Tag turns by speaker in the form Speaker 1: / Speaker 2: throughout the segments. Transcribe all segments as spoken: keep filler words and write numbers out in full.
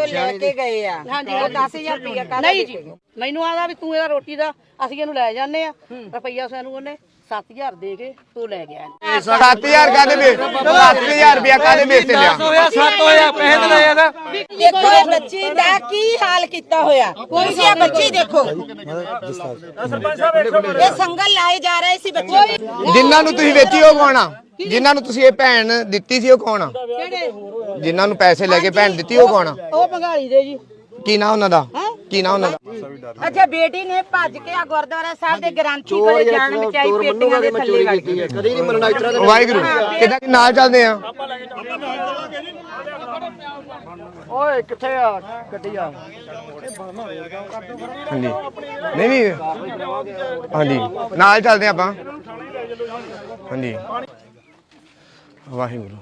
Speaker 1: ਤੋਂ ਲੈ ਕੇ ਗਏ ਆ ਉਹ ਦਸ ਹਜ਼ਾਰ ਰੁਪਇਆ ਕਾਹਦਾ
Speaker 2: ਨਹੀਂ ਜੀ ਮੈਨੂੰ ਆਦਾ ਵੀ ਤੂੰ ਇਹਦਾ ਰੋਟੀ ਦਾ ਅਸੀਂ ਇਹਨੂੰ ਲੈ ਜਾਂਦੇ ਆ ਰੁਪਈਆ ਸਾਨੂੰ ਉਹਨੇ ਸੱਤ ਹਜ਼ਾਰ ਦੇ ਕੇ ਤੂੰ ਲੈ ਗਿਆ
Speaker 3: ਸੱਤ ਹਜ਼ਾਰ ਕਾਹਦੇ ਵੇਚ ਸੱਤ ਹਜ਼ਾਰ ਰੁਪਇਆ ਕਾਹਦੇ ਵੇਚ ਲਿਆ
Speaker 4: ਹੋਇਆ ਸੱਤ ਹੋਇਆ ਪੈਸੇ ਤੇ ਲਏ ਇਹਦਾ
Speaker 1: ਦੇਖੋ ਇਹ ਬੱਚੀ ਦਾ ਕੀ ਹਾਲ ਕੀਤਾ ਹੋਇਆ ਤੁਸੀਂ ਇਹ ਬੱਚੀ ਦੇਖੋ ਇਹ ਸੰਗਲ ਲਾਏ ਜਾ ਰਹੇ ਸੀ ਬੱਚੇ
Speaker 3: ਜਿਨ੍ਹਾਂ ਨੂੰ ਤੁਸੀਂ ਵੇਚੀ ਉਹ ਕੌਣ ਆ ਜਿਨ੍ਹਾਂ ਨੂੰ ਤੁਸੀਂ ਇਹ ਭੈਣ ਦਿੱਤੀ ਸੀ ਉਹ ਕੌਣ ਆ ਜਿਨ੍ਹਾਂ ਨੂੰ ਪੈਸੇ ਲੈ ਕੇ ਭੈਣ ਦਿੱਤੀ ਉਹ ਕੌਣ ਆ
Speaker 2: ਉਹ ਭੰਗਾਲੀ ਦੇ ਜੀ
Speaker 3: ਕੀ ਨਾਂ ਉਹਨਾਂ ਦਾ ਕੀ ਨਾਂ ਉਹਨਾਂ ਦਾ
Speaker 1: ਅੱਛਾ ਬੇਟੀ ਨੇ ਭੱਜ ਕੇ ਆ ਗੁਰਦੁਆਰਾ ਸਾਹਿਬ ਦੇ ਗ੍ਰੰਥੀ ਕੋਲੇ ਜਾਣ ਬਚਾਈ ਪੇਟੀਆਂ ਦੇ ਥੱਲੇ ਵੜ ਗਈ
Speaker 4: ਕਦੀ ਨਹੀਂ ਮਰਨਾ ਇਤਰਾ
Speaker 3: ਵਾਹਿਗੁਰੂ ਕਿਦਾਂ ਨਾਲ ਚੱਲਦੇ ਆ
Speaker 4: ਓਏ ਕਿੱਥੇ ਆ ਗੱਡੀ ਆ
Speaker 3: ਹਾਂਜੀ ਨਹੀਂ ਨਹੀਂ ਹਾਂਜੀ ਨਾਲ ਚੱਲਦੇ ਆਪਾਂ ਹਾਂਜੀ ਵਾਹਿਗੁਰੂ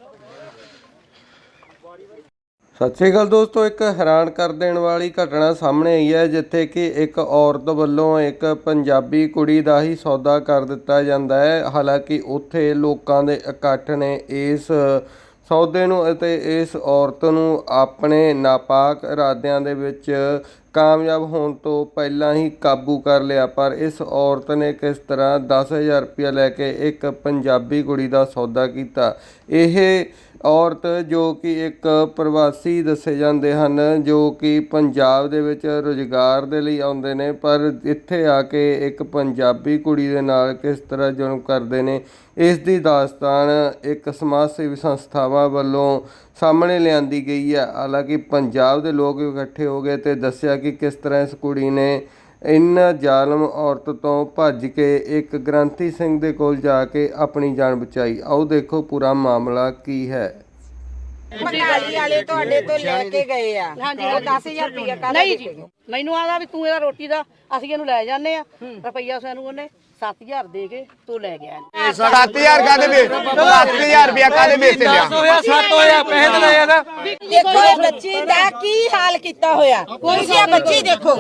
Speaker 5: ਸਤਿ ਸ਼੍ਰੀ ਅਕਾਲ ਦੋਸਤੋ, ਇੱਕ ਹੈਰਾਨ ਕਰ ਦੇਣ ਵਾਲੀ ਘਟਨਾ ਸਾਹਮਣੇ ਆਈ ਹੈ ਜਿੱਥੇ ਕਿ ਇੱਕ ਔਰਤ ਵੱਲੋਂ ਇੱਕ ਪੰਜਾਬੀ ਕੁੜੀ ਦਾ ਹੀ ਸੌਦਾ ਕਰ ਦਿੱਤਾ ਜਾਂਦਾ ਹੈ। ਹਾਲਾਂਕਿ ਉੱਥੇ ਲੋਕਾਂ ਦੇ ਇਕੱਠ ਨੇ ਇਸ ਸੌਦੇ ਨੂੰ ਅਤੇ ਇਸ ਔਰਤ ਨੂੰ ਆਪਣੇ ਨਾਪਾਕ ਇਰਾਦਿਆਂ ਦੇ ਵਿੱਚ ਕਾਮਯਾਬ ਹੋਣ ਤੋਂ ਪਹਿਲਾਂ ਹੀ ਕਾਬੂ ਕਰ ਲਿਆ। ਪਰ ਇਸ ਔਰਤ ਨੇ ਕਿਸ ਤਰ੍ਹਾਂ ਦਸ ਹਜ਼ਾਰ ਰੁਪਇਆ ਲੈ ਕੇ ਇੱਕ ਪੰਜਾਬੀ ਕੁੜੀ ਦਾ ਸੌਦਾ ਕੀਤਾ। ਇਹ ਔਰਤ ਜੋ ਕਿ ਇੱਕ ਪ੍ਰਵਾਸੀ ਦੱਸੇ ਜਾਂਦੇ ਹਨ, ਜੋ ਕਿ ਪੰਜਾਬ ਦੇ ਵਿੱਚ ਰੁਜ਼ਗਾਰ ਦੇ ਲਈ ਆਉਂਦੇ ਨੇ, ਪਰ ਇੱਥੇ ਆ ਕੇ ਇੱਕ ਪੰਜਾਬੀ ਕੁੜੀ ਦੇ ਨਾਲ ਕਿਸ ਤਰ੍ਹਾਂ ਜ਼ੁਲਮ ਕਰਦੇ ਨੇ, ਇਸ ਦੀ ਦਾਸਤਾਨ ਇੱਕ ਸਮਾਜ ਸੇਵੀ ਸੰਸਥਾਵਾਂ ਵੱਲੋਂ ਸਾਹਮਣੇ ਲਿਆਂਦੀ ਗਈ ਹੈ। ਹਾਲਾਂਕਿ ਪੰਜਾਬ ਦੇ ਲੋਕ ਇਕੱਠੇ ਹੋ ਗਏ ਅਤੇ ਦੱਸਿਆ ਕਿ ਕਿਸ ਤਰ੍ਹਾਂ ਇਸ ਕੁੜੀ ਨੇ ਇਨ੍ਹਾਂ ਜ਼ਾਲਮ ਔਰਤ ਤੋਂ ਭੱਜ ਕੇ ਇੱਕ ਗ੍ਰੰਥੀ ਸਿੰਘ ਦੇ ਕੋਲ ਜਾ ਕੇ ਆਪਣੀ ਜਾਨ ਬਚਾਈ। ਆਓ ਦੇਖੋ ਪੂਰਾ ਮਾਮਲਾ ਕੀ ਹੈ।
Speaker 1: ਭੰਗਾਲੀ ਵਾਲੇ ਤੁਹਾਡੇ ਤੋਂ ਲੈ ਕੇ ਗਏ ਆ ਉਹ ਦਸ ਹਜ਼ਾਰ ਰੁਪਇਆ ਕਾਹਦਾ
Speaker 2: ਨਹੀਂ ਜੀ ਮੈਨੂੰ ਆਦਾ ਵੀ ਤੂੰ ਇਹਦਾ ਰੋਟੀ ਦਾ ਅਸੀਂ ਇਹਨੂੰ ਲੈ ਜਾਂਦੇ ਆ ਰੁਪਈਆ ਸਾਨੂੰ ਉਹਨੇ ਸੱਤ ਹਜ਼ਾਰ ਦੇ ਕੇ ਤੂੰ ਲੈ ਗਿਆ
Speaker 3: ਸੱਤ ਹਜ਼ਾਰ ਕਾਹਦੇ ਵੇਚ ਸੱਤ ਹਜ਼ਾਰ ਰੁਪਇਆ ਕਾਹਦੇ ਵੇਚ ਲਿਆ
Speaker 4: ਹੋਇਆ ਸੱਤ ਹੋਇਆ ਪੈਸੇ ਤੇ ਲਏ ਇਹਦਾ
Speaker 1: ਦੇਖੋ ਇਹ ਬੱਚੀ ਦਾ ਕੀ ਹਾਲ ਕੀਤਾ ਹੋਇਆ ਤੁਸੀਂ ਇਹ ਬੱਚੀ ਦੇਖੋ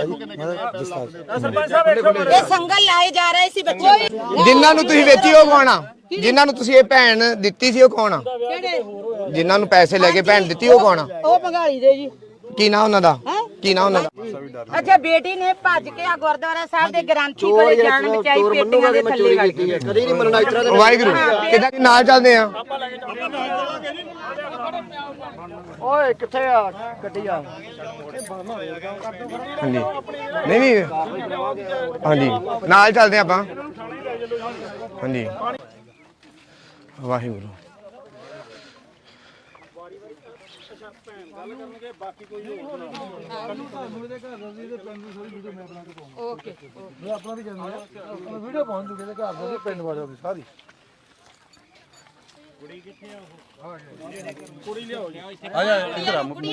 Speaker 1: ਇਹ ਸੰਗਲ ਲਾਏ ਜਾ ਰਹੇ ਸੀ ਬੱਚੇ
Speaker 3: ਜਿਨ੍ਹਾਂ ਨੂੰ ਤੁਸੀਂ ਵੇਚੀ ਉਹ ਕੌਣ ਆ ਜਿਨ੍ਹਾਂ ਨੂੰ ਤੁਸੀਂ ਇਹ ਭੈਣ ਦਿੱਤੀ ਸੀ ਉਹ ਕੌਣ ਆ ਜਿਨ੍ਹਾਂ ਨੂੰ ਪੈਸੇ ਲੈ ਕੇ ਭੈਣ ਦਿੱਤੀ ਉਹ ਕੌਣ ਆ
Speaker 2: ਉਹ ਭੰਗਾਲੀ ਦੇ ਜੀ
Speaker 3: ਕੀ ਨਾਂ ਉਹਨਾਂ ਦਾ ਕੀ ਨਾਂ ਉਹਨਾਂ ਦਾ
Speaker 1: ਅੱਛਾ ਬੇਟੀ ਨੇ ਭੱਜ ਕੇ ਆ ਗੁਰਦੁਆਰਾ ਸਾਹਿਬ ਦੇ ਗ੍ਰੰਥੀ ਕੋਲੇ ਜਾਣ ਬਚਾਈ ਪੇਟੀਆਂ ਦੇ ਥੱਲੇ ਵੜ ਗਈ
Speaker 4: ਕਦੀ ਨਹੀਂ ਮਰਨਾ ਇਤਰਾ
Speaker 3: ਵਾਹਿਗੁਰੂ ਕਿਦਾਂ ਨਾਲ ਚੱਲਦੇ ਆ
Speaker 4: ਓਏ ਕਿੱਥੇ ਆ ਗੱਡੀ ਆ
Speaker 3: ਹਾਂਜੀ ਨਹੀਂ ਨਹੀਂ ਹਾਂਜੀ ਨਾਲ ਚੱਲਦੇ ਆਪਾਂ ਹਾਂਜੀ ਵਾਹਿਗੁਰੂ
Speaker 1: ਓਕੇ
Speaker 4: ਮੈਂ ਆਪਣਾ ਵੀ ਜਾਂਦਾ ਵੀਡੀਓ ਪਹੁੰਚ ਜੂਗੇ ਤੇ ਘਰ ਦੇ ਪਿੰਡ ਵਾਲਿਆਂ ਦੀ ਸਾਰੀ ਕੁੜੀ ਕਿੱਥੇ ਆ ਉਹ ਕੁੜੀ ਲਿਆਓ ਜੀ ਆ ਜਾ ਇੱਧਰ ਆ ਮੁਰੇ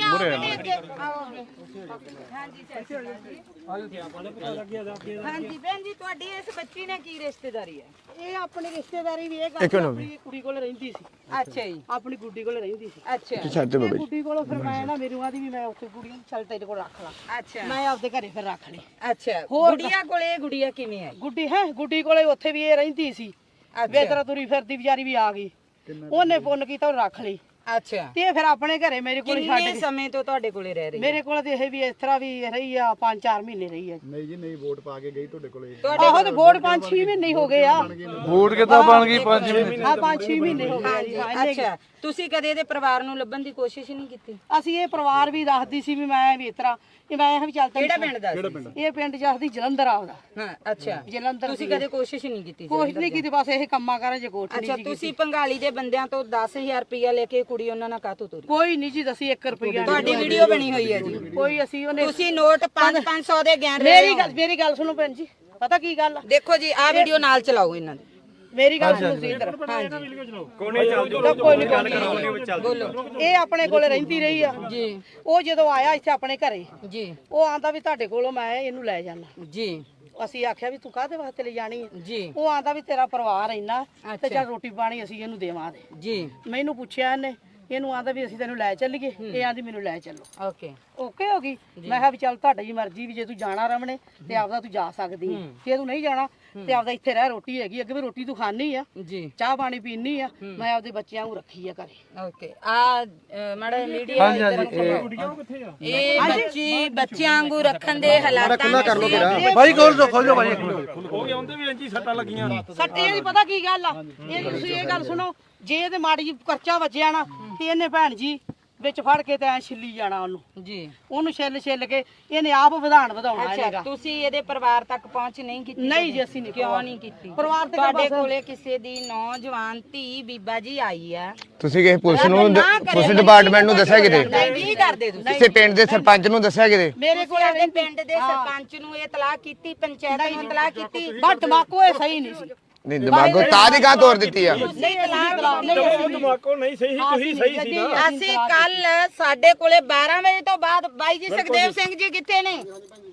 Speaker 1: ਹਾਂਜੀ ਭੈਣ ਜੀ ਤੁਹਾਡੀ ਇਸ ਬੱਚੀ ਨੇ ਕੀ ਰਿਸ਼ਤੇਦਾਰੀ ਹੈ
Speaker 2: ਇਹ ਆਪਣੀ ਰਿਸ਼ਤੇਦਾਰੀ ਵੀ ਇਹ
Speaker 3: ਇੱਕ
Speaker 2: ਗੱਲ
Speaker 3: ਮਿੰਟ
Speaker 2: ਕੁੜੀ ਕੋਲ ਰਹਿੰਦੀ ਸੀ
Speaker 1: ਅੱਛਾ ਜੀ
Speaker 2: ਆਪਣੀ ਗੁੱਡੀ ਕੋਲ ਰਹਿੰਦੀ ਸੀ
Speaker 1: ਅੱਛਾ
Speaker 3: ਛੱਡ ਬਾਬਾ ਜੀ
Speaker 2: ਗੁੱਡੀ ਕੋਲੋਂ ਫਿਰ ਮੈਂ ਨਾ ਮੇਰੀ ਆਦੀ ਵੀ ਮੈਂ ਉੱਥੇ ਗੁੱਡੀ ਨੂੰ ਚੱਲ ਤੇਰੇ ਕੋਲ ਰੱਖ ਲਾ
Speaker 1: ਅੱਛਾ
Speaker 2: ਮੈਂ ਆਪਦੇ ਘਰੇ ਫਿਰ ਰੱਖ ਲਈ
Speaker 1: ਅੱਛਾ ਗੁੜੀਆ ਕੋਲੇ ਗੁੜੀਆ ਕਿਵੇਂ ਆਈ
Speaker 2: ਗੁੱਡੀ ਹੈ ਗੁੱਡੀ ਕੋਲੇ ਉੱਥੇ ਵੀ ਇਹ ਰਹਿੰਦੀ ਸੀ ਵੇਤਰਾ ਤੁਰੀ ਫਿਰਦੀ ਵਿਚਾਰੀ ਵੀ ਆ ਗਈ ਉਹਨੇ ਪੁੰਨ ਕੀਤਾ ਉਹ ਰੱਖ ਲਈ
Speaker 1: ਅੱਛਾ
Speaker 2: ਤੇ ਫਿਰ ਆਪਣੇ ਘਰੇ ਮੇਰੇ ਕੋਲ ਛੱਡ
Speaker 1: ਕਿੰਨੇ
Speaker 2: ਗਈ
Speaker 1: ਸਮੇਂ ਤੋਂ ਤੁਹਾਡੇ ਕੋਲੇ ਰਹਿ ਰਹੀ
Speaker 2: ਮੇਰੇ ਕੋਲ ਤੇ ਇਹ ਵੀ ਇਸ ਤਰ੍ਹਾਂ ਵੀ ਰਹੀ ਆ ਪੰਜ ਚਾਰ ਮਹੀਨੇ ਰਹੀ ਆ
Speaker 4: ਨਹੀਂ ਜੀ ਨਹੀਂ ਵੋਟ ਪਾ ਕੇ ਗਈ ਤੁਹਾਡੇ ਕੋਲੇ
Speaker 2: ਆਹੋ ਤੇ ਵੋਟ ਪੰਜ ਛੇ ਮਹੀਨੇ ਹੋ ਗਏ ਆ
Speaker 4: ਵੋਟ ਕਿੱਦਾਂ ਬਣ ਗਈ ਪੰਜ ਮਹੀਨੇ
Speaker 2: ਆ ਪੰਜ ਛੇ ਮਹੀਨੇ ਹੋ ਗਏ ਆ ਜੀ ਹਾਂ, ਇੰਨੇ ਕੁ।
Speaker 1: ਅੱਛਾ ਤੁਸੀਂ ਕਦੇ ਇਹਦੇ ਪਰਿਵਾਰ ਨੂੰ ਲੱਭਣ ਦੀ ਕੋਸ਼ਿਸ਼ ਨਹੀਂ ਕੀਤੀ
Speaker 2: ਅਸੀਂ ਇਹ ਪਰਿਵਾਰ ਵੀ ਦੱਸਦੀ ਸੀ ਵੀ ਮੈਂ ਵੀ ਇਸ ਤਰ੍ਹਾਂ ਕਿ ਮੈਂ ਇਹ ਵੀ ਚੱਲ
Speaker 1: ਕਿਹੜਾ ਪਿੰਡ ਦਾ
Speaker 2: ਇਹ ਪਿੰਡ ਜਸਦੀ ਜਲੰਧਰ ਆਉਦਾ
Speaker 1: ਹਾਂ ਅੱਛਾ
Speaker 2: ਜਲੰਧਰ
Speaker 1: ਤੁਸੀਂ ਕਦੇ ਕੋਸ਼ਿਸ਼ ਨਹੀਂ ਕੀਤੀ
Speaker 2: ਕੋਸ਼ਿਸ਼ ਨਹੀਂ ਕੀਤੀ ਬਸ ਇਹ ਕੰਮਾਂ ਕਰਾਂ ਜੇ ਕੋਠ
Speaker 1: ਅੱਛਾ ਤੁਸੀਂ ਪੰਗਾਲੀ ਦੇ ਬੰਦਿਆਂ ਤੋਂ ਦਸ ਹਜ਼ਾਰ ਰੁਪਇਆ ਲੈ ਕੇ ਕੁੜੀ ਉਹਨਾਂ ਨਾਲ ਕਾਹਤੋਂ ਤੋਰੀ
Speaker 2: ਕੋਈ ਨਹੀਂ ਜੀ ਦਸੀ ਇੱਕ ਰੁਪਈਆ
Speaker 1: ਤੁਹਾਡੀ ਵੀਡੀਓ ਬਣੀ ਹੋਈ ਹੈ ਜੀ
Speaker 2: ਕੋਈ ਅਸੀਂ ਉਹਨੇ
Speaker 1: ਤੁਸੀਂ ਨੋਟ ਪੰਜ ਪੰਜ ਸੌ ਦੇ ਗਿਣ ਰਹੇ
Speaker 2: ਮੇਰੀ
Speaker 1: ਹੋ
Speaker 2: ਗੱਲ ਮੇਰੀ ਗੱਲ ਸੁਣੋ ਭੈਣ ਜੀ ਪਤਾ ਕੀ ਗੱਲ ਆ?
Speaker 1: ਦੇਖੋ ਜੀ ਆਹ ਵੀਡੀਓ ਨਾਲ ਚਲਾਓ ਇਹਨਾਂ ਦੀ
Speaker 2: ਮੇਰੀ ਗੱਲ ਸੁਣੋ ਸੀ ਇੱਧਰ
Speaker 1: ਹਾਂਜੀ
Speaker 2: ਕੋਈ ਨਹੀਂ
Speaker 1: ਬੋਲੋ
Speaker 2: ਇਹ ਆਪਣੇ ਕੋਲੇ ਰਹਿੰਦੀ ਰਹੀ ਆ
Speaker 1: ਜੀ
Speaker 2: ਉਹ ਜਦੋਂ ਆਇਆ ਇੱਥੇ ਆਪਣੇ ਘਰੇ
Speaker 1: ਜੀ
Speaker 2: ਉਹ ਆਂਦਾ ਵੀ ਤੁਹਾਡੇ ਕੋਲੋਂ ਮੈਂ ਇਹਨੂੰ ਲੈ ਜਾਣਾ
Speaker 1: ਜੀ
Speaker 2: ਅਸੀਂ ਆਖਿਆ ਵੀ ਤੂੰ ਕਾਹਦੇ ਵਾਸਤੇ ਲੈ ਜਾਣੀ ਹੈ
Speaker 1: ਜੀ
Speaker 2: ਉਹ ਆਂਦਾ ਵੀ ਤੇਰਾ ਪਰਿਵਾਰ ਇੰਨਾ ਤੇ
Speaker 1: ਅੱਛਾ।
Speaker 2: ਚੱਲ ਰੋਟੀ ਪਾਣੀ ਅਸੀਂ ਇਹਨੂੰ ਦੇਵਾਂਗੇ
Speaker 1: ਜੀ
Speaker 2: ਮੈਨੂੰ ਪੁੱਛਿਆ ਇਹਨੇ ਇਹਨੂੰ ਆਂਦਾ ਵੀ ਅਸੀਂ ਤੈਨੂੰ ਲੈ ਚੱਲੀਏ, ਇਹ ਆਂਦੀ ਮੈਨੂੰ ਲੈ ਚੱਲੋ।
Speaker 1: ਓਕੇ
Speaker 2: ਓਕੇ ਹੋ ਗਈ। ਮੈਂ ਕਿਹਾ ਵੀ ਚੱਲ ਤੁਹਾਡੀ ਮਰਜ਼ੀ, ਵੀ ਜੇ ਤੂੰ ਜਾਣਾ ਰਮਣੇ ਤੇ ਆਪਦਾ ਤੂੰ ਜਾ ਸਕਦੀ ਹੈ, ਜੇ ਤੂੰ ਨਹੀਂ ਜਾਣਾ ਤੇ ਆਪਦਾ ਇੱਥੇ ਰਹਿ, ਰੋਟੀ ਹੈਗੀ ਅੱਗੇ ਵੀ ਰੋਟੀ ਤੂੰ ਖਾਣੀ ਆ,
Speaker 1: ਜੀ
Speaker 2: ਚਾਹ ਪਾਣੀ ਪੀਣੀ ਆ, ਮੈਂ ਆਪਦੇ ਬੱਚਿਆਂ ਨੂੰ ਰੱਖੀ ਆ ਘਰੇ।
Speaker 1: ਓਕੇ ਆ ਮਾੜਾ ਮੀਡੀਆ ਇਹ ਬੱਚੀ ਬੱਚਿਆਂ ਵਾਂਗੂ ਰੱਖਣ ਦੇ ਹਾਲਾਤਾਂ ਕਰ ਲੋ
Speaker 4: ਭਾਈ ਖੋਲ ਦੋ ਖੋਲ ਦੋ ਭਾਈ ਹੋ ਗਿਆ ਉਹਦੇ ਵੀ ਇੰਜੀ ਸੱਟਾਂ ਲੱਗੀਆਂ
Speaker 2: ਸੱਟੇ ਦੀ ਪਤਾ ਕੀ ਗੱਲ ਆ, ਇਹ ਤੁਸੀਂ ਇਹ ਗੱਲ ਸੁਣੋ, ਜੇ ਇਹਦੇ ਮਾੜੀ ਜੀ ਕਰਚਾ ਵੱਜਿਆ ਨਾ ਤੇ ਇਹਨੇ ਭੈਣ ਜੀ ਵਿੱਚ ਫੜ ਕੇ ਤੇ ਐ ਛਿੱਲੀ ਜਾਣਾ ਉਹਨੂੰ
Speaker 1: ਜੀ,
Speaker 2: ਉਹਨੂੰ ਛਿੱਲ ਛਿੱਲ ਕੇ ਇਹਨੇ ਆਪ ਵਧਾਣ ਵਧਾਉਣਾ
Speaker 1: ਅੱਛਾ
Speaker 2: ਹੈਗਾ।
Speaker 1: ਤੁਸੀਂ ਇਹਦੇ ਪਰਿਵਾਰ ਤੱਕ ਪਹੁੰਚ ਨਹੀਂ ਕੀਤੀ?
Speaker 2: ਨਹੀਂ ਜੀ ਅਸੀਂ ਨਹੀਂ।
Speaker 1: ਕਿਉਂ ਨਹੀਂ ਕੀਤੀ?
Speaker 2: ਪਰਿਵਾਰ ਤੇ
Speaker 1: ਤੁਹਾਡੇ ਕੋਲੇ ਕਿਸੇ ਦੀ ਨੌਜਵਾਨ ਧੀ ਬੀਬਾ ਜੀ ਆਈ ਆ,
Speaker 3: ਤੁਸੀਂ ਕਿਸੇ ਪੁਲਿਸ ਨੂੰ ਪੁਲਿਸ ਡਿਪਾਰਟਮੈਂਟ ਨੂੰ ਦੱਸਿਆ ਕਿਤੇ?
Speaker 1: ਨਹੀਂ ਕਰਦੇ ਤੁਸੀਂ?
Speaker 3: ਕਿਸੇ ਪਿੰਡ ਦੇ ਸਰਪੰਚ ਨੂੰ ਦੱਸਿਆ ਕਿਤੇ?
Speaker 2: ਮੇਰੇ ਕੋਲ
Speaker 1: ਸਾਡੇ ਪਿੰਡ ਦੇ ਸਰਪੰਚ ਨੂੰ ਇਹ ਤਲਾਕ ਕੀਤੀ, ਪੰਚਾਇਤ ਨੂੰ ਤਲਾਕ ਕੀਤੀ,
Speaker 2: ਬਟ ਦਿਮਾਗੋ ਇਹ ਸਹੀ ਨਹੀਂ ਸੀ।
Speaker 3: ਨਹੀਂ ਦਿਮਾਗੋ ਤਾਂ ਦੀ ਗਾਂ ਤੋੜ ਦਿੱਤੀ ਆ।
Speaker 2: ਨਹੀਂ ਤਲਾਕ ਨਹੀਂ
Speaker 4: ਦਿਮਾਗੋ ਨਹੀਂ ਸਹੀ ਸੀ, ਤੁਸੀਂ ਸਹੀ ਸੀ ਨਾ।
Speaker 1: ਅਸੀਂ ਕੱਲ ਸਾਡੇ ਕੋਲੇ ਬਾਰਾਂ ਵਜੇ ਤੋਂ ਬਾਅਦ ਬਾਈ ਜੀ ਸੁਖਦੇਵ ਸਿੰਘ ਜੀ ਕਿੱਥੇ ਨੇ?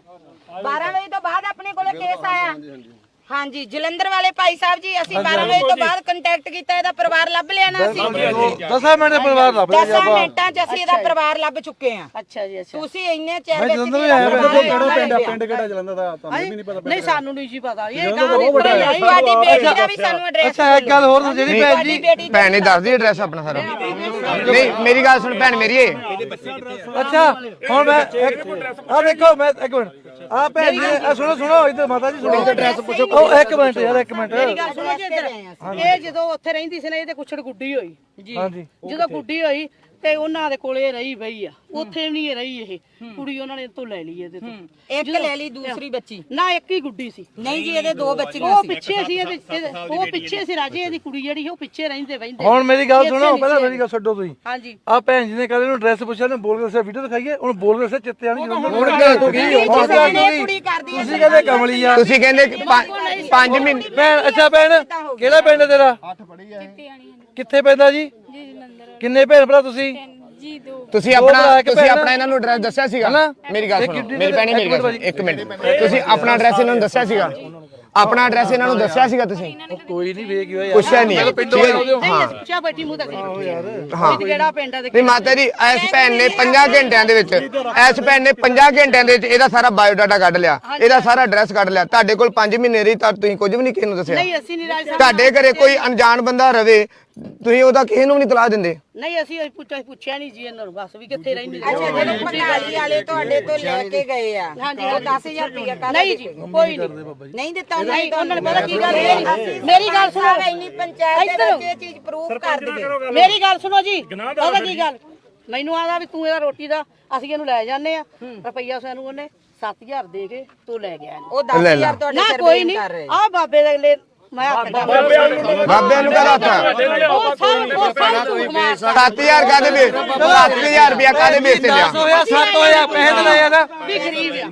Speaker 1: ਬਾਰਾਂ ਵਜੇ ਤੋਂ ਬਾਅਦ ਆਪਣੇ ਕੋਲੇ ਕੇਸ ਆਇਆ। ਹਾਂਜੀ ਜਲੰਧਰ ਵਾਲੇ ਭਾਈ ਸਾਹਿਬ ਜੀ, ਅਸੀਂ ਬਾਰਾਂ ਵਜੇ ਤੋਂ ਬਾਅਦ ਕੰਟੈਕਟ ਕੀਤਾ, ਇਹਦਾ ਪਰਿਵਾਰ ਲੱਭ ਲਿਆ ਨਾ ਅਸੀਂ
Speaker 4: ਦਸਾਂ ਮਿੰਟ ਦੇ ਪਰਿਵਾਰ ਲੱਭ ਲਿਆ
Speaker 1: ਦਸਾਂ ਮਿੰਟਾਂ 'ਚ ਅਸੀਂ ਇਹਦਾ ਪਰਿਵਾਰ ਲੱਭ ਚੁੱਕੇ ਆ।
Speaker 2: ਅੱਛਾ ਜੀ ਅੱਛਾ।
Speaker 1: ਤੁਸੀਂ ਇੰਨੇ ਚਿਰ ਵਿੱਚ
Speaker 4: ਜਲੰਧਰ ਵੀ ਆਇਆ ਕਿਹੜਾ ਪਿੰਡ ਆ? ਪਿੰਡ ਕਿਹੜਾ ਜਲੰਧਰ ਦਾ? ਤੁਹਾਨੂੰ ਵੀ ਨਹੀਂ ਪਤਾ?
Speaker 2: ਨਹੀਂ ਸਾਨੂੰ ਨਹੀਂ ਜੀ ਪਤਾ, ਇਹ
Speaker 4: ਜਲੰਧਰ
Speaker 2: ਗਾਂ ਦੀ
Speaker 4: ਬਹੁਤ ਵੱਡਾ ਹੈ।
Speaker 2: ਕੁੜੀ
Speaker 1: ਤੁਹਾਡੀ ਬੇਟੀ ਦਾ ਵੀ ਸਾਨੂੰ ਐਡਰੈਸ
Speaker 4: ਅੱਛਾ ਇੱਕ ਗੱਲ ਹੋਰ ਜਿਹੜੀ ਭੈਣ ਜੀ
Speaker 1: ਬੇਟੀ
Speaker 3: ਭੈਣ ਨੇ ਦੱਸਦੀ ਐਡਰੈਸ ਆਪਣਾ ਸਾਰਾ। ਨਹੀਂ ਮੇਰੀ ਗੱਲ ਸੁਣ ਭੈਣ ਮੇਰੀ ਏ,
Speaker 4: ਅੱਛਾ ਹੁਣ ਮੈਂ ਆ ਦੇਖੋ ਮੈਂ ਇੱਕ ਮਿੰਟ ਆ ਭੈਣ ਜੀ ਆ ਸੁਣੋ ਸੁਣੋ ਇੱਧਰ ਮਾਤਾ ਜੀ ਸੁਣੋ ਐਡਰੈਸ ਪੁੱਛੋ। ਉਹ ਇੱਕ ਮਿੰਟ ਯਾਰ ਇੱਕ ਮਿੰਟ
Speaker 2: ਮੇਰੀ ਗੱਲ ਸੁਣੋ ਜੀ ਇੱਧਰ। ਇਹ ਜਦੋਂ ਉੱਥੇ ਰਹਿੰਦੀ ਸੀ ਨਾ, ਇਹਦੇ ਕੁਛੜ ਗੁੱਡੀ ਹੋਈ ਜੀ।
Speaker 4: ਹਾਂਜੀ
Speaker 2: ਜਦੋਂ ਗੁੱਡੀ ਹੋਈ ਤੇ ਉਹਨਾਂ ਦੇ ਕੋਲੇ ਰਹੀ ਬਈ ਆ, ਉੱਥੇ ਵੀ ਨਹੀਂ ਰਹੀ ਇਹ ਕੁੜੀ, ਉਹਨਾਂ ਨੇ ਤੋਂ ਲੈ ਲਈ ਇਹਦੇ ਤੋਂ।
Speaker 1: ਇੱਕ ਲੈ ਲਈ, ਦੂਸਰੀ ਬੱਚੀ
Speaker 2: ਨਾ ਇੱਕ ਹੀ ਗੁੱਡੀ ਸੀ।
Speaker 1: ਨਹੀਂ ਜੀ, ਇਹਦੇ ਦੋ ਬੱਚੀਆਂ
Speaker 2: ਉਹ
Speaker 1: ਸੀ।
Speaker 2: ਪਿੱਛੇ ਸੀ ਇਹਦੇ, ਇਹਦੇ- ਉਹ ਪਿੱਛੇ ਸੀ ਰਾਜੇ, ਇਹਦੀ ਕੁੜੀ ਜਿਹੜੀ ਸੀ ਉਹ ਪਿੱਛੇ ਰਹਿੰਦੇ ਬੈਂਦੇ।
Speaker 4: ਹੁਣ ਮੇਰੀ ਗੱਲ ਸੁਣੋ, ਪਹਿਲਾਂ ਮੇਰੀ ਗੱਲ ਛੱਡੋ ਤੁਸੀਂ।
Speaker 2: ਹਾਂਜੀ
Speaker 4: ਆ ਭੈਣ ਜੀ ਨੇ ਕਹਿੰਦੇ ਨੂੰ ਐਡਰੈਸ ਪੁੱਛਿਆ ਨੇ ਬੋਲ ਕੇ ਦੱਸਿਆ, ਵੀਡੀਓ ਦਿਖਾਈਏ ਉਹਨੂੰ ਬੋਲ ਕੇ ਦੱਸਿਆ ਚਿੱਤੇ ਆਣੀ
Speaker 3: ਹੁਣ
Speaker 4: ਜਲੰਧਰ।
Speaker 3: ਕਿਆ ਤੂੰ ਕੀ
Speaker 1: ਨਹੀਂ,
Speaker 3: ਹੁਣ
Speaker 1: ਕਿਸੇ ਨੇ ਕੁੜੀ ਕਰਦੀ ਹੈ
Speaker 4: ਤੁਸੀਂ ਕਹਿੰਦੇ ਕਮਲੀ ਆ।
Speaker 3: ਤੁਸੀਂ ਕਹਿੰਦੇ ਕਿ ਪੰਜ- ਪੰਜ ਮਹੀਨੇ
Speaker 4: ਭੈਣ ਅੱਛਾ ਭੈਣ ਕਿਹੜਾ ਪਿੰਡ ਹੈ ਤੇਰਾ? ਕਿੱਥੇ ਪੈਂਦਾ ਜੀ? ਕਿੰਨੇ ਭੈਣ ਭਰਾ ਤੁਸੀਂ?
Speaker 3: ਤੁਸੀਂ ਆਪਣਾ ਤੁਸੀਂ ਆਪਣਾ ਇਹਨਾਂ ਨੂੰ ਐਡਰੈਸ ਦੱਸਿਆ ਸੀਗਾ? ਮੇਰੀ ਗੱਲ ਸੁਣੋ, ਮੇਰੀ ਭੈਣੇ ਮੇਰੀ ਗੱਲ ਸੁਣੋ, ਇੱਕ ਮਿੰਟ। ਤੁਸੀਂ ਆਪਣਾ ਐਡਰੈਸ ਇਹਨਾਂ ਨੂੰ ਦੱਸਿਆ ਸੀਗਾ? ਆਪਣਾ ਐਡਰੈਸ ਇਹਨਾਂ ਨੂੰ ਦੱਸਿਆ ਸੀਗਾ ਤੁਸੀਂ?
Speaker 4: ਕੋਈ ਨਹੀਂ ਵੇਖ ਗਿਆ
Speaker 3: ਪੁੱਛਿਆ ਨਹੀਂ?
Speaker 2: ਨਹੀਂ ਪੁੱਛਿਆ ਬੈਠੀ ਮੂੰਹ ਤੱਕ
Speaker 3: ਹਾਂ
Speaker 2: ਕਿਹੜਾ ਪਿੰਡ ਆ?
Speaker 3: ਨਹੀਂ ਮਾਤਾ ਜੀ, ਇਸ ਭੈਣ ਨੇ ਪੰਜਾਂ ਘੰਟਿਆਂ ਦੇ ਵਿੱਚ ਇਸ ਭੈਣ ਨੇ ਪੰਜਾਂ ਘੰਟਿਆਂ ਦੇ ਵਿੱਚ ਇਹਦਾ ਸਾਰਾ ਬਾਇਓਡਾਟਾ ਕੱਢ ਲਿਆ, ਇਹਦਾ ਸਾਰਾ ਐਡਰੈਸ ਕੱਢ ਲਿਆ। ਤੁਹਾਡੇ ਕੋਲ ਪੰਜ ਮਹੀਨੇ ਰਹੀ ਤਾਂ ਤੁਸੀਂ ਕੁਝ ਵੀ ਨਹੀਂ ਕਿਸੇ ਨੂੰ ਦੱਸਿਆ?
Speaker 2: ਨਹੀਂ ਅਸੀਂ ਨਹੀਂ ਰਾਜ
Speaker 3: ਤੁਹਾਡੇ ਘਰੇ ਕੋਈ ਅਣਜਾਣ ਬੰਦਾ ਰਵੇ, ਤੁਸੀਂ ਉਹਦਾ ਕਿਸੇ ਨੂੰ ਨਹੀਂ ਤਲਾਹ ਦਿੰਦੇ?
Speaker 2: ਨਹੀਂ ਅਸੀਂ ਪੁੱਛਿਆ ਪੁੱਛਿਆ ਨਹੀਂ ਜੀ ਇਹਨਾਂ ਨੂੰ, ਬਸ ਵੀ ਕਿੱਥੇ ਰਹਿੰਦੇ।
Speaker 1: ਅੱਛਾ ਜਦੋਂ ਪੰਗਾਲੀ ਵਾਲੇ ਤੁਹਾਡੇ ਤੋਂ ਲੈ ਕੇ ਗਏ ਆ,
Speaker 2: ਹਾਂਜੀ
Speaker 1: ਉਹ ਦਸ ਹਜ਼ਾਰ ਰੁਪਇਆ ਕਾਹਦਾ
Speaker 2: ਨਹੀਂ ਜੀ ਕੋਈ ਨਹੀਂ
Speaker 1: ਨਹੀਂ ਦਿੱਤਾ ਉਹਨਾਂ ਨੇ?
Speaker 2: ਉਹਨਾਂ ਨੇ ਪਤਾ ਕੀ ਗੱਲ ਹੈ, ਮੇਰੀ ਗੱਲ ਸੁਣੋ,
Speaker 1: ਇੰਨੀ ਪੰਚਾਇਤ ਦੇ ਵਿੱਚ ਇਹ ਚੀਜ਼ ਪ੍ਰੂਫ ਕਰ ਦਈਏ।
Speaker 2: ਮੇਰੀ ਗੱਲ ਸੁਣੋ ਜੀ, ਪਤਾ ਕੀ ਗੱਲ, ਮੈਨੂੰ ਆਦਾ ਵੀ ਤੂੰ ਇਹਦਾ ਰੋਟੀ ਦਾ, ਅਸੀਂ ਇਹਨੂੰ ਲੈ ਜਾਂਦੇ ਆ, ਰੁਪਈਆ ਸਾਨੂੰ ਉਹਨੇ ਸੱਤ ਹਜ਼ਾਰ ਦੇ ਕੇ ਤੂੰ ਲੈ ਗਿਆ ਇਹਨੂੰ।
Speaker 1: ਉਹ ਦਸ ਹਜ਼ਾਰ ਤੁਹਾਡੇ
Speaker 2: ਨਾ
Speaker 1: ਸਿਰ
Speaker 2: ਕੋਈ
Speaker 1: ਤੇ
Speaker 2: ਨਹੀਂ,
Speaker 1: ਕਰ ਰਹੇ।
Speaker 2: ਆ ਬਾਬੇ ਦੇ ਅਗਲੇ ਮੈਂ ਹੱਥ ਦਾ
Speaker 3: ਬਾਬਿਆਂ ਨੂੰ ਕਹਦਾ ਹੱਥ
Speaker 2: ਉਹ ਸਭ ਉਹ ਸਭ ਝੂਠ ਮਾਰਦਾ।
Speaker 3: ਸੱਤ ਹਜ਼ਾਰ ਕਾਹਦੇ ਵੇਚ ਸੱਤ ਹਜ਼ਾਰ ਰੁਪਇਆ ਕਾਹਦੇ ਵੇਚ ਤੇ ਲਿਆ?
Speaker 4: ਹੋਇਆ ਸੱਤ ਹੋਇਆ ਪੈਸੇ ਤੇ ਲਏ ਨਾ
Speaker 2: ਵੀ ਗਰੀਬ ਆ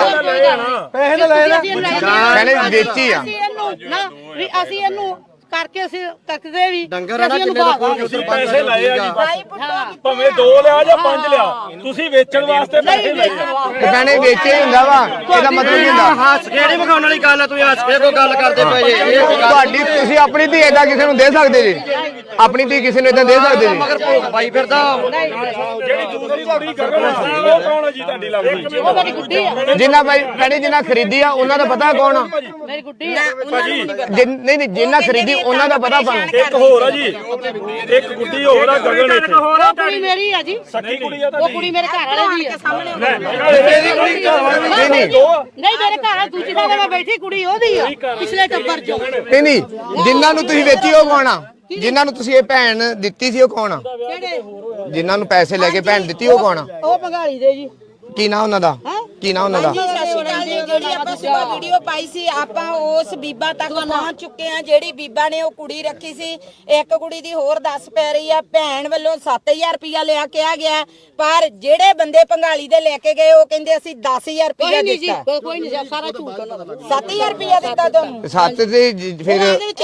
Speaker 4: ਪੈਸੇ ਤੇ ਲਏ ਨਾ
Speaker 3: ਕਹਿੰਦੇ ਵੇਚੀ ਆ।
Speaker 2: ਅਸੀਂ ਇਹਨੂੰ ਨਾ ਵੀ ਅਸੀਂ ਇਹਨੂੰ ਕਰਕੇ ਅਸੀਂ ਤੱਕਦੇ ਵੀ ਡੰਗਰ ਆ ਨਾ ਕਿੰਨੇ ਦਾ
Speaker 4: ਪੈਸੇ ਲਏ ਆ ਜੀ
Speaker 1: ਭਾਈ ਪੁੱਟੋ
Speaker 4: ਭਾਵੇਂ ਦੋ ਲਿਆ ਜਾਂ ਪੰਜ ਲਿਆ, ਤੁਸੀਂ ਵੇਚਣ ਵਾਸਤੇ ਪੈਸੇ ਲਏ।
Speaker 3: ਤੇ ਕਹਿੰਦੇ ਵੇਚੇ ਹੁੰਦਾ ਵਾ, ਇਹਦਾ ਮਤਲਬ ਕੀ ਹੁੰਦਾ?
Speaker 6: ਹੱਸ ਕੇ ਨਹੀਂ ਵਿਖਾਉਣ ਵਾਲੀ ਗੱਲ ਆ, ਤੁਸੀਂ ਹੱਸ ਕੇ ਕੋਈ ਗੱਲ ਕਰਦੇ ਪਏ ਜੇ। ਇਹ ਕੋਈ ਗੱਲ
Speaker 3: ਤੁਹਾਡੀ ਤੁਸੀਂ ਆਪਣੀ ਧੀ ਏਦਾਂ ਕਿਸੇ ਨੂੰ ਦੇ ਸਕਦੇ ਜੀ? ਆਪਣੀ ਧੀ ਕਿਸੇ ਨੂੰ ਏਦਾਂ ਦੇ ਸਕਦੇ ਜੀ?
Speaker 6: ਮਗਰ ਭੋਗ ਪਾਈ ਫਿਰਦਾ।
Speaker 4: ਜਿਹੜੀ ਦੂਸਰੀ ਕੁੜੀ ਕਰਨ ਉਹ ਕੌਣ ਆ ਜੀ ਤੁਹਾਡੀ ਲੱਗਦੀ?
Speaker 2: ਉਹ ਮੇਰੀ ਗੁੱਡੀ ਆ,
Speaker 3: ਜਿੰਨਾ ਭਾਈ ਕਹਿੰਦੇ ਜਿੰਨਾ ਖਰੀਦੀ ਆ ਉਹਨਾਂ ਦਾ ਪਤਾ ਕੌਣ ਆ?
Speaker 2: ਮੇਰੀ ਗੁੱਡੀ ਆ।
Speaker 3: ਜਿਨ- ਨਹੀਂ ਨਹੀਂ ਜਿੰਨਾ ਖਰੀਦੀ ਉਹਨਾਂ ਦਾ ਪਤਾ ਆਪਾਂ ਨੂੰ।
Speaker 4: ਇੱਕ ਹੋਰ ਆ ਜੀ, ਇੱਕ ਗੁੱਡੀ ਹੋਰ ਆ ਗਗਨ ਇੱਥੇ।
Speaker 2: ਉਹ ਕੁੜੀ ਮੇਰੀ ਆ ਜੀ,
Speaker 4: ਸੱਕੀ ਕੁੜੀ ਆ
Speaker 2: ਉਹ ਕੁੜੀ ਮੇਰੇ ਘਰ ਵਾਲੇ ਦੀ ਆ।
Speaker 4: ਤੇਰੀ ਕੁੜੀ ਘਰ ਵਾਲੀ
Speaker 3: ਨਹੀਂ ਨਹੀਂ
Speaker 2: ਨਹੀਂ ਮੇਰੇ ਘਰ ਵਾਲੀ ਦੂਜੀ ਥਾਂ ਤੇ ਮੈਂ ਬੈਠੀ, ਕੁੜੀ ਉਹਦੀ ਆ, ਪਿਛਲੇ ਟੱਬਰ ਚੋਂ।
Speaker 3: ਨਹੀਂ ਨਹੀਂ ਜਿਨ੍ਹਾਂ ਨੂੰ ਤੁਸੀਂ ਵੇਚੀ ਉਹ ਕੌਣ ਆ? ਜਿਨ੍ਹਾਂ ਨੂੰ ਤੁਸੀਂ ਇਹ ਭੈਣ ਦਿੱਤੀ ਸੀ ਉਹ ਕੌਣ ਆ?
Speaker 2: ਕਿਹੜੇ?
Speaker 3: ਜਿਨ੍ਹਾਂ ਨੂੰ ਪੈਸੇ ਲੈ ਕੇ ਭੈਣ ਦਿੱਤੀ ਉਹ ਕੌਣ ਆ?
Speaker 2: ਉਹ ਭੰਗਾਲੀ ਦੇ ਜੀ।
Speaker 3: ਕੀ ਨਾਂ ਉਹਨਾਂ ਦਾ? ਕੀ ਨਾਂ ਉਹਨਾਂ ਦਾ?
Speaker 1: ਸਤਿ ਸ਼੍ਰੀ ਅਕਾਲ ਜੀ। ਜਿਹੜੀ ਆਪਾਂ ਸੁਬਾ ਵੀਡੀਓ ਪਾਈ ਸੀ, ਆਪਾਂ ਉਸ ਬੀਬਾ ਤੱਕ ਪਹੁੰਚ ਚੁੱਕੇ ਆ ਜਿਹੜੀ ਬੀਬਾ ਨੇ ਉਹ ਕੁੜੀ ਰੱਖੀ ਸੀ। ਇੱਕ ਕੁੜੀ ਦੀ ਹੋਰ ਦੱਸ ਪੈ ਰਹੀ ਆ, ਭੈਣ ਵੱਲੋਂ ਸੱਤ ਹਜ਼ਾਰ ਰੁਪਇਆ ਲਿਆ ਕਿਹਾ ਗਿਆ, ਪਰ ਜਿਹੜੇ ਬੰਦੇ ਭੰਗਾਲੀ ਦੇ ਲੈ ਕੇ ਗਏ ਉਹ ਕਹਿੰਦੇ ਅਸੀਂ ਦਸ ਹਜ਼ਾਰ ਰੁਪਇਆ
Speaker 2: ਕੋਈ ਨਹੀਂ ਜੀ,
Speaker 1: ਦਿੱਤਾ।
Speaker 2: ਕੋਈ ਨਹੀਂ, ਸਾਰਾ ਝੂਠ ਉਹਨਾਂ ਦਾ।
Speaker 1: ਸੱਤ ਹਜ਼ਾਰ ਰੁਪਇਆ ਦਿੱਤਾ ਤੁਹਾਨੂੰ?
Speaker 3: ਸੱਤ ਤੇ ਜ- ਫਿਰ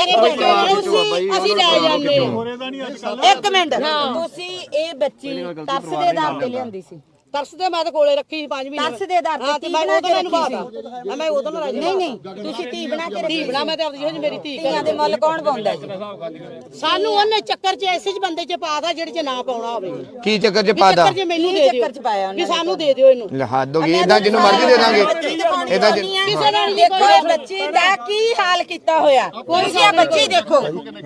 Speaker 2: ਅਸੀਂ ਅਸੀਂ ਲੈ ਜਾਂਦੇ ਆ।
Speaker 1: ਇੱਕ ਮਿੰਟ, ਤੁਸੀਂ ਇਹ ਬੱਚੀ ਤਰਸ ਦੇ ਦਾਮ ਤੇ ਲਿਆਂਦੀ ਸੀ?
Speaker 2: ਤਰਸਦੇ ਮੈਂ ਤਾਂ ਕੋਲੇ ਰੱਖੀ ਪੰਜ ਮਹੀਨੇ
Speaker 1: ਤਰਸ ਦੇ ਆਧਾਰ ਤੇ
Speaker 2: ਹਾਂ ਤੇ
Speaker 1: ਧੀ
Speaker 2: ਮੈਂ
Speaker 1: ਬਣਾ
Speaker 2: ਉਦੋਂ
Speaker 1: ਕੇ
Speaker 2: ਮੈਨੂੰ
Speaker 1: ਰੱਖੀ
Speaker 2: ਬਾਤਾ ਮੈਂ ਉਦੋਂ ਨਾ
Speaker 1: ਨਹੀਂ ਨਹੀਂ ਤੁਸੀਂ ਧੀ ਬਣਾ ਕੇ
Speaker 2: ਧੀ ਬਣਾ ਮੈਂ ਤੇ ਆਪਦੀ ਜਿਹੋ ਮੇਰੀ ਧੀ
Speaker 1: ਧੀਆਂ ਦੇ ਮੁੱਲ ਕੌਣ ਪਾਉਂਦਾ ਜੀ
Speaker 2: ਸਾਨੂੰ ਉਹਨੇ ਚੱਕਰ 'ਚ ਐਸੇ 'ਚ ਬੰਦੇ 'ਚ ਪਾਦਾ ਜਿਹੜੇ 'ਚ ਨਾ ਪਾਉਣਾ ਹੋਵੇ
Speaker 3: ਕੀ ਚੱਕਰ ਚ ਪਾਦਾ
Speaker 2: ਚੱਕਰ 'ਚ ਮੈਨੂੰ ਦੇ ਦਿਓ
Speaker 1: ਚੱਕਰ 'ਚ ਪਾਇਆ
Speaker 2: ਵੀ ਸਾਨੂੰ ਦੇ ਦਿਓ ਇਹਨੂੰ
Speaker 3: ਲੈ ਹੱਦ ਹੋ ਗਈ ਇਦਾਂ ਜਿਹਨੂੰ ਮਰਜ਼ੀ ਦੇ ਦਾਂਗੇ ਇਦਾਂ
Speaker 1: ਕਿਸੇ ਨਾਲ ਦੇਖੋ ਇਹ ਬੱਚੀ ਦਾ ਕੀ ਹਾਲ ਕੀਤਾ ਹੋਇਆ ਤੁਸੀਂ ਇਹ ਬੱਚੀ ਦੇਖੋ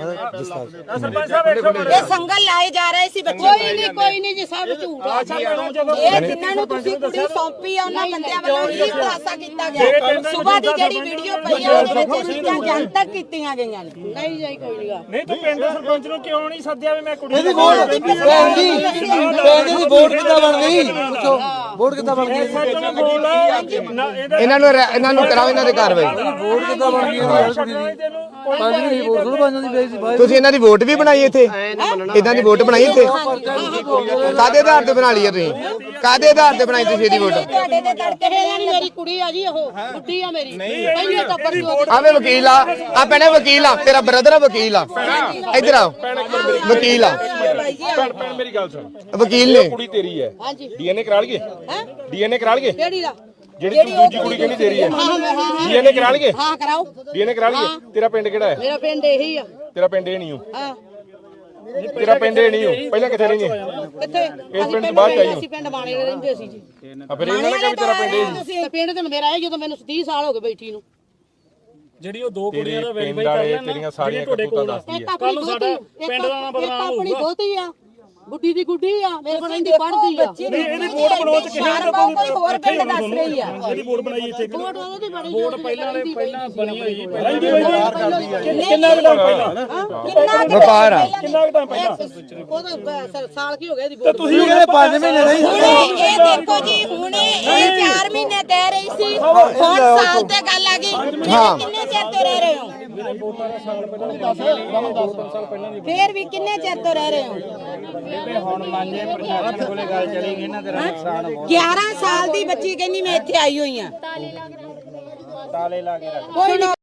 Speaker 1: ਇਹ ਸੰਗਲ ਲਾਏ ਜਾ ਰਹੇ ਸੀ ਬੱਚੇ
Speaker 2: ਕੋਈ ਨਹੀਂ ਕੋਈ ਨਹੀਂ ਜੀ ਸਭ ਝੂਠ ਆ
Speaker 1: ਇਹ ਜਿਨ੍ਹਾਂ ਨੂੰ ਤੁਸੀਂ ਕੁੜੀ ਸੌਂਪੀ ਆ ਉਹਨਾਂ ਬੰਦਿਆਂ ਵੱਲੋਂ ਹੀ ਖੁਲਾਸਾ ਕੀਤਾ ਗਿਆ ਸਵੇਰ ਦੀ ਜਿਹੜੀ ਵੀਡੀਓ ਪਈ ਆ ਉਹਦੇ ਵਿੱਚ ਇਹ ਚੀਜ਼ਾਂ ਜਨਤਕ ਕੀਤੀਆਂ ਗਈਆਂ ਨੇ
Speaker 2: ਨਹੀਂ ਜਾਈ ਕੋਈ ਨਹੀਂਗਾ
Speaker 7: ਨਹੀਂ ਤੂੰ ਪਿੰਡ ਦੇ ਸਰਪੰਚ ਨੂੰ ਕਿਉਂ ਨਹੀਂ ਸੱਦਿਆ ਵੀ ਮੈਂ ਕੁੜੀ
Speaker 4: ਇਹਦੀ ਵੋਟ ਭੈਣ ਜੀ ਭੈਣ ਜੀ ਦੀ ਵੋਟ ਕਿੱਦਾਂ ਬਣ ਗਈ ਪੁੱਛੋ ਵੋਟ ਕਿੱਦਾਂ ਬਣ ਗਈ
Speaker 3: ਇਹਨਾਂ ਨੂੰ ਰਹਿ- ਇਹਨਾਂ ਨੂੰ ਕਰਾਓ ਇਹਨਾਂ ਦੇ ਕਾਰਵਾਈ
Speaker 4: ਵੋਟ ਕਿੱਦਾਂ ਬਣ ਗਈ ਇਹਦੀ ਯਾਰ ਕੁੜੀ ਦੀ ਪੰਜ ਮਹੀਨੇ ਦੀ ਵੋਟ ਥੋੜਾ ਬਣ ਜਾਂਦੀ ਪਈ ਸੀ ਬਾਈ
Speaker 3: ਤੁਸੀਂ ਇਹਨਾਂ ਦੀ ਵੋਟ ਵੀ ਬਣਾਈ ਇੱਥੇ ਇਦਾਂ ਦੀ ਵੋਟ ਬਣਾਈ ਇੱਥੇ ਕਾਦੇ ਆਧਾਰ ਤੇ ਬਣਾ ਲਈ ਆ ਤੁਸੀਂ ਕਾਦੇ ਆਧਾਰ ਤੇ ਬਣਾਈ ਤੁਸੀਂ ਇਹਦੀ ਵੋਟ
Speaker 1: ਤੁਹਾਡੇ ਦੇ ਤੜਕੇ
Speaker 2: ਇਹ ਨਹੀਂ ਮੇਰੀ ਕੁੜੀ ਆ ਜੀ ਉਹ ਬੁੱਢੀ ਆ ਮੇਰੀ ਪਹਿਲੇ ਤਾਂ ਪਰਸੋਂ
Speaker 3: ਆਵੇ ਵਕੀਲ ਆ ਆ ਭੈਣੇ ਵਕੀਲ ਆ ਤੇਰਾ ਬ੍ਰਦਰ ਆ ਵਕੀਲ ਆ ਇੱਧਰ ਆ ਵਕੀਲ ਆ
Speaker 7: ਭੈਣ ਭੈਣ ਮੇਰੀ ਗੱਲ ਸੁਣ
Speaker 3: ਵਕੀਲ ਨੇ
Speaker 7: ਕੁੜੀ ਤੇਰੀ ਹੈ
Speaker 2: ਹਾਂਜੀ
Speaker 7: ਡੀਐਨਏ ਕਰਾ ਲਈਏ
Speaker 2: ਹੈ
Speaker 7: ਡੀਐਨਏ ਕਰਾ ਲਈਏ
Speaker 2: ਕਿਹੜੀ ਦਾ
Speaker 7: ਜਿਹੜੀ ਤੂੰ ਦੂਜੀ ਕੁੜੀ ਕਹਿੰਦੀ ਤੇਰੀ ਹੈ
Speaker 2: ਹਾਂ ਹਾਂ ਹਾਂ
Speaker 7: ਡੀਐਨਏ ਕਰਾ ਲਈਏ
Speaker 2: ਹਾਂ ਕਰਾਓ
Speaker 7: ਡੀਐਨਏ ਕਰਾ ਲਈਏ ਤੇਰਾ ਪਿੰਡ ਕਿਹੜਾ ਹੈ
Speaker 2: ਮੇਰਾ ਪਿੰਡ ਇਹੀ ਆ
Speaker 7: ਤੇਰਾ ਪਿੰਡ ਇਹ ਨਹੀਂ ਹੋ
Speaker 2: ਹਾਂ
Speaker 7: ਤੇਰਾ ਪਿੰਡ ਇਹ ਨਹੀਂ ਹੋ ਪਹਿਲਾਂ ਕਿੱਥੇ ਰਹਿੰਦੇ
Speaker 2: ਕਿੱਥੇ
Speaker 7: ਇਸ ਪਿੰਡ ਤੋਂ ਬਾਅਦ ਆਈ
Speaker 2: ਅਸੀਂ ਪਿੰਡ ਬਾਣੇ ਦੇ ਰਹਿੰਦੇ ਸੀ ਜੀ
Speaker 7: ਆ ਫਿਰ ਇਹਨਾਂ ਨੇ ਕਿਹਾ ਵੀ ਤੇਰਾ ਪਿੰਡ ਇਹ ਸੀ
Speaker 2: ਤੇ ਪਿੰਡ ਤੇ ਮੇਰਾ ਇਹ ਜਦੋਂ ਮੈਨੂੰ ਤੀਹ ਸਾਲ ਹੋ ਗਏ ਬੈਠੀ ਨੂੰ
Speaker 7: ਜਿਹੜੀ ਉਹ ਦੋ ਕੁੜੀਆਂ ਦਾ ਵੈਰੀਫਾਈ ਕਰ ਲਿਆ ਤੇਰੀਆਂ ਸਾਰੀਆਂ ਕਰਤੂਤਾਂ ਦੱਸਦੀ
Speaker 2: ਇੱਕ ਆਪਣੀ ਦੋਤੀ ਪਿੰਡ ਦਾ ਨਾਮ ਬਦਨਾਮ ਹੋਊਗਾ ਆਪਣੀ ਦੋਤੀ ਆ ਬੁੱਢੀ ਦੀ ਗੁੱਡੀ ਆ ਮੇਰੇ ਕੋਲ ਰਹਿੰਦੀ ਪੜਦੀ ਆ
Speaker 1: ਨਹੀਂ ਇਹਦੀ ਵੋਟ ਬਣਾਉਣ ਚ ਕਿਸੇ ਦਾ ਕੋਈ ਹੋਰ ਪਿੰਡ ਦੱਸ ਰਹੀ ਆ
Speaker 7: ਜਿਹੜੀ ਵੋਟ ਬਣਾਈ ਇੱਥੇ
Speaker 2: ਵੋਟ ਉਹਦੀ ਬਣੀ ਵੋਟ ਪਹਿਲਾਂ ਪਹਿਲਾਂ
Speaker 7: ਬਣੀ ਹੋਈ ਰਹਿੰਦੀ ਹੋਈ ਕਿੰਨਾ ਕੁ ਟਾਈਮ ਪਹਿਲਾਂ
Speaker 1: ਕਿੰਨਾ
Speaker 3: ਵਪਾਰ ਆ
Speaker 7: ਕਿੰਨਾ ਕੁ ਟਾਈਮ ਪਹਿਲਾਂ
Speaker 2: ਉਹਦਾ ਸਾਲ ਕੀ ਹੋ ਗਿਆ ਇਹਦੀ ਵੋਟ
Speaker 4: ਤੁਸੀਂ ਕਹਿੰਦੇ ਪੰਜ ਮਹੀਨੇ ਨਹੀਂ
Speaker 1: ਹੁਣੇ ਇਹ ਦੇਖੋ ਜੀ ਹੁਣੇ ਇਹ ਚਾਰ ਮਹੀਨੇ ਕਹਿ ਰਹੀ ਸੀ ਹੁਣ ਸਾਲ ਤੇ ਗੱਲ ਆ ਗਈ
Speaker 3: ਹਾਂ।
Speaker 1: ਕਿੰਨੇ ਚਿਰ ਤੋਂ ਰਹਿ ਰਹੇ ਹੋ ਫੇਰ ਵੀ ਕਿੰਨੇ ਚਿਰ ਤੋਂ ਰਹਿ ਰਹੇ ਹੋ
Speaker 7: ਹੁਣ ਮੰਨੇ ਪ੍ਰਸ਼ਾਸਨ ਕੋਲੇ ਗੱਲ ਚਲੀ ਗਈ ਨਾ ਤੇਰਾ ਨੁਕਸਾਨ ਹੋ
Speaker 1: ਗਿਆਰਾਂ ਸਾਲ ਦੀ ਬੱਚੀ ਕਹਿੰਦੀ ਮੈਂ ਇੱਥੇ ਆਈ ਹੋਈ ਆ
Speaker 7: ਤਾਲੇ ਲਾ ਕੇ ਰੱਖ
Speaker 1: ਕੋਈ